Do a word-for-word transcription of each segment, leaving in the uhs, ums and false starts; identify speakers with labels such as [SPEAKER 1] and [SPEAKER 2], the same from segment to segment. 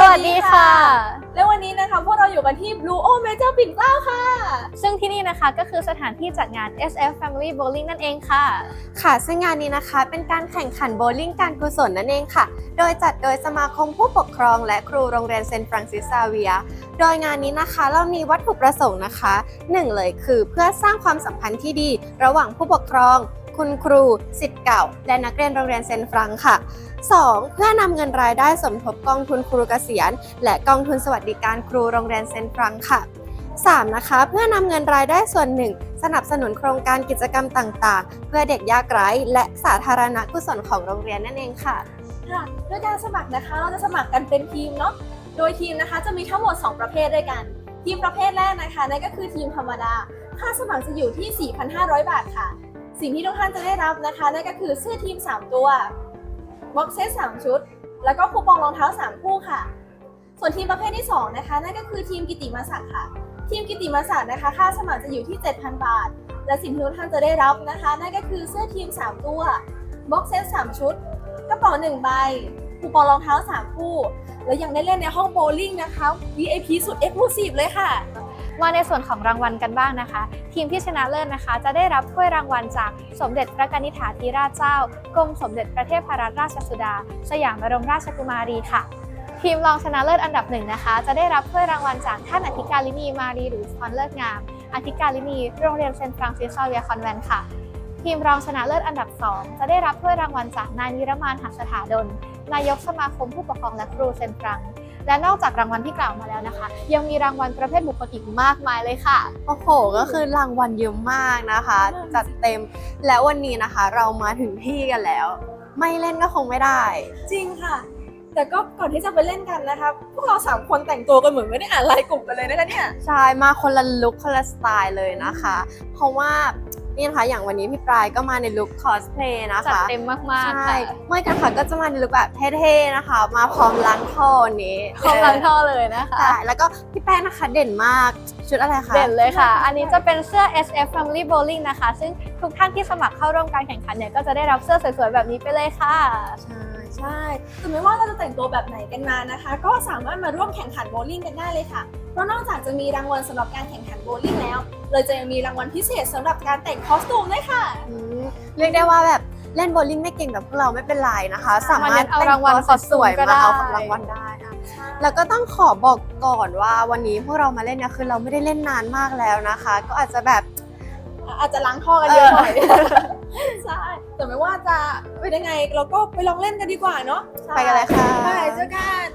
[SPEAKER 1] วัสดีค่ะ
[SPEAKER 2] และวันนี้นะคะพวกเราอยู่กันที่ Blue O Major ปิ่นเกล้าค่ะ
[SPEAKER 1] ซึ่งที่นี่นะคะก็คือสถานที่จัดงาน เอส เอฟ Family Bowling นั่นเองค่ะ
[SPEAKER 3] ค่ะซึ่งงานนี้นะคะเป็นการแข่งขันโบว์ลิ่งการกุศลนั่นเองค่ะโดยจัดโดยสมาคมผู้ปกครองและครูโรงเรียนเซนต์ฟรังซิสซาเวียร์โดยงานนี้นะคะเรามีวัตถุประสงค์นะคะหนึ่งเลยคือเพื่อสร้างความสัมพันธ์ที่ดีระหว่างผู้ปกครองคุณครูศิษย์เก่าและนักเรียนโรงเรียนเซนต์ฟรังค่ะสองเพื่อนำเงินรายได้สมทบกองทุนครูเกษียณและกองทุนสวัสดิการครูโรงเรียนเซนต์ฟรังค่ะสามนะคะเพื่อนำเงินรายได้ส่วนหนึ่งสนับสนุนโครงการกิจกรรมต่างๆเพื่อเด็กยากไร้และสาธารณกุศลของโรงเรียนนั่นเองค่ะ
[SPEAKER 2] ค่ะโดยการสมัครนะคะเราจะสมัครกันเป็นทีมเนาะโดยทีมนะคะจะมีทั้งหมดสองประเภทด้วยกันทีมประเภทแรกนะคะนั่นก็คือทีมธรรมดาค่าสมัครจะอยู่ที่ สี่พันห้าร้อย บาทค่ะสิ่งที่ทุกท่านจะได้รับนะคะนั่นก็คือเสื้อทีมสามตัวบ็อกเซตสามชุดแล้วก็คูปองรองเท้าสามคู่ค่ะส่วนทีมประเภทที่สองนะคะนั่นก็คือทีมกิตติมศักดิ์ค่ะทีมกิตติมศักดิ์นะคะค่าสมัครจะอยู่ที่ เจ็ดพัน บาทและสิ่งที่ทุกท่านจะได้รับนะคะนั่นก็คือเสื้อทีมสามตัวบ็อกเซตสามชุดกระเป๋าหนึ่งใบคูปองรองเท้าสามคู่และยังได้เล่นในห้องโบว์ลิ่งนะคะ วี ไอ พี สุด Exclusive เลยค่ะ
[SPEAKER 1] มาในส่วนของรางวัลกันบ้างนะคะทีมที่ชนะเลิศนะคะจะได้รับถ้วยรางวัลจากสมเด็จพระนิธิาธิราชเจ้ากรมสมเด็จพระเทพรัตนราชสุดาสยามบรมราชกุมารีค่ะทีมรองชนะเลิศอันดับหนึ่งนะคะจะได้รับถ้วยรางวัลจากท่านอธิการลินีมารีหรือพรเลิศงามอธิการลินีโรงเรียนเซนต์ฟรังซิสซาเวียร์คอนแวนต์ค่ะทีมรองชนะเลิศอันดับสองจะได้รับถ้วยรางวัลจากนายนิรมานหัสถาดลนายกสมาคมผู้ปกครองและครูเซนต์ฟรังและนอกจากรางวัลที่กล่าวมาแล้วนะคะยังมีรางวัลประเภทบุคคลอีกมากมายเลยค่ะ
[SPEAKER 3] โอ้โหก็คือรางวัลเยอะมากนะคะจัดเต็มและวันนี้นะคะเรามาถึงที่กันแล้วไม่เล่นก็คงไม่ได้
[SPEAKER 2] จริงค่ะแต่ก็ก่อนที่จะไปเล่นกันนะคะพวกเราสามคนแต่งตัวกันเหมือนไม่ได้อ่านไลน์กลุ่มกันเลยนะคะเนี่ย
[SPEAKER 3] ใช่มาคนละลุคคนละสไตล์เลยนะคะเพราะว่านี่นะคะอย่างวันนี้พี่ปลายก็มาในลุคคอสเพลย์นะคะ
[SPEAKER 1] จัดเต็มมากๆ
[SPEAKER 3] ใช่เมื่อกันค่ะก็จะมาในลุคแบบเท่ๆนะคะมาพร้อมล้างท่อนี้
[SPEAKER 1] พร้อมล้างท่อเลยนะคะ
[SPEAKER 3] ใช่แล้วก็พี่แป้งนะคะเด่นมากชุดอะไรคะ
[SPEAKER 1] เด่นเลยค่ะอันนี้จะเป็นเสื้อ เอส เอฟ Family Bowling นะคะซึ่งทุกท่านที่สมัครเข้าร่วมการแข่งขันเนี่ยก็จะได้รับเสื้อสวยๆแบบนี้ไปเลยค่ะ
[SPEAKER 2] ใช่ใช่ถึงแม้ว่าเราจะแต่งตัวแบบไหนกันมานะคะก็สามารถมาร่วมแข่งขันโบว์ลิ่งกันได้เลยค่ะเพราะนอกจากจะมีรางวัลสำหรับการแข่งขันโบว์ลิ่งแล้วเลยจะยังมีรางวัลพิเศษสำหรับการแต่งคอสตูมด้วยค่ะ
[SPEAKER 3] เรียกได้ว่าแบบเล่นโบว์ลิ่งไม่เก่งแบบพวกเราไม่เป็นไรนะคะสามารถ
[SPEAKER 1] เอารางวัล
[SPEAKER 3] สวยๆมาเอาของรางวัลได้แล้วก็ต้องขอบอกก่อนว่าวันนี้พวกเรามาเล่นเนี่ยคือเราไม่ได้เล่นนานมากแล้วนะคะก็อาจจะแบบ
[SPEAKER 2] อาจจะล้างท่อกันเยอะหน่อยใช่แต่ไม่ว่าจะเป็นยังไงเราก็ไปลองเล่นกันดีกว่าเนาะ
[SPEAKER 3] ไปกันเลยค่ะ
[SPEAKER 2] ไปเจอกัน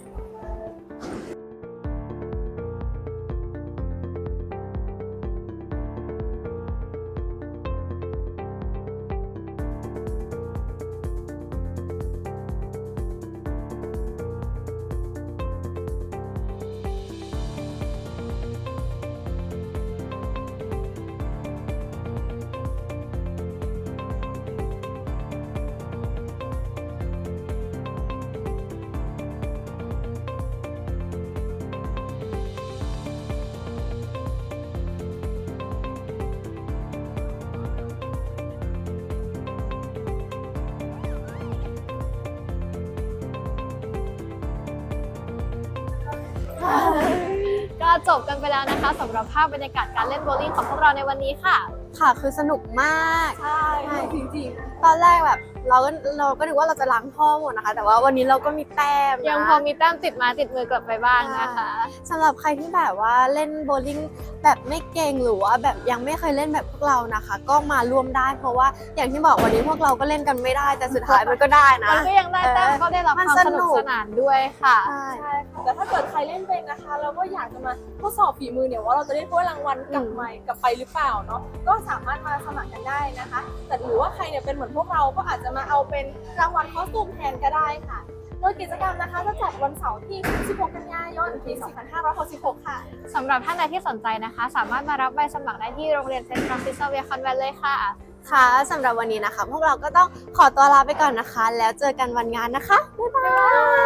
[SPEAKER 1] ก็จบกันไปแล้วนะคะสำหรับภาพบรรยากาศการเล่นโบว์ลิ่งของพวกเราในวันนี้ค่ะ
[SPEAKER 3] ค่ะคือสนุกมาก
[SPEAKER 2] ใช่จริง
[SPEAKER 3] ๆตอนแรกแบบเราก็เราก็นึกว่าเราจะล้างท่อหมดนะคะแต่ว่าวันนี้เราก็มีแต้ม
[SPEAKER 1] ยังพอมีแต้มติดมาติดมือกลับไปบ้างนะคะ
[SPEAKER 3] สำหรับใครที่แบบว่าเล่นโบว์ลิ่งแบบไม่เก่งหรือว่าแบบยังไม่เคยเล่นแบบพวกเรานะคะก็มาร่วมได้เพราะว่าอย่างที่บอกวันนี้พวกเราก็เล่นกันไม่ได้แต่สุดท้ายมันก็ได้นะ
[SPEAKER 1] มันก็ยังได้แต้มก็ได้รับความสนุกสนานด้วยค่ะ
[SPEAKER 2] ใช่แต่ถ้าเกิดใครเล่นเป็นนะคะเราก็อยากจะมาทดสอบฝีมือเนี่ยว่าเราจะได้ถ้วยรางวัลกลับใหม่กลับไปหรือเปล่าเนาะก็สามารถมาสมัครกันได้นะคะแต่หรือว่าใครเนี่ยเป็นเหมือนพวกเราก็อาจจะมาเอาเป็นรางวัลคอสตูมแทนก็ได้ค่ะโดยกิจกรรมนะคะจะจัดวันเสาร์ที่สิบหกกันยายนปีสองพันห้าร้อยหกสิบหกค่ะ
[SPEAKER 1] สำหรับท่านใดที่สนใจนะคะสามารถมารับใบสมัครได้ที่โรงเรียนเซนต์ฟรังซิสซาเวียร์คอนแวนต์เลยค่ะ
[SPEAKER 3] ค่ะสำหรับวันนี้นะคะพวกเราก็ต้องขอตัวลาไปก่อนนะคะแล้วเจอกันวันงานนะคะบ๊ายบาย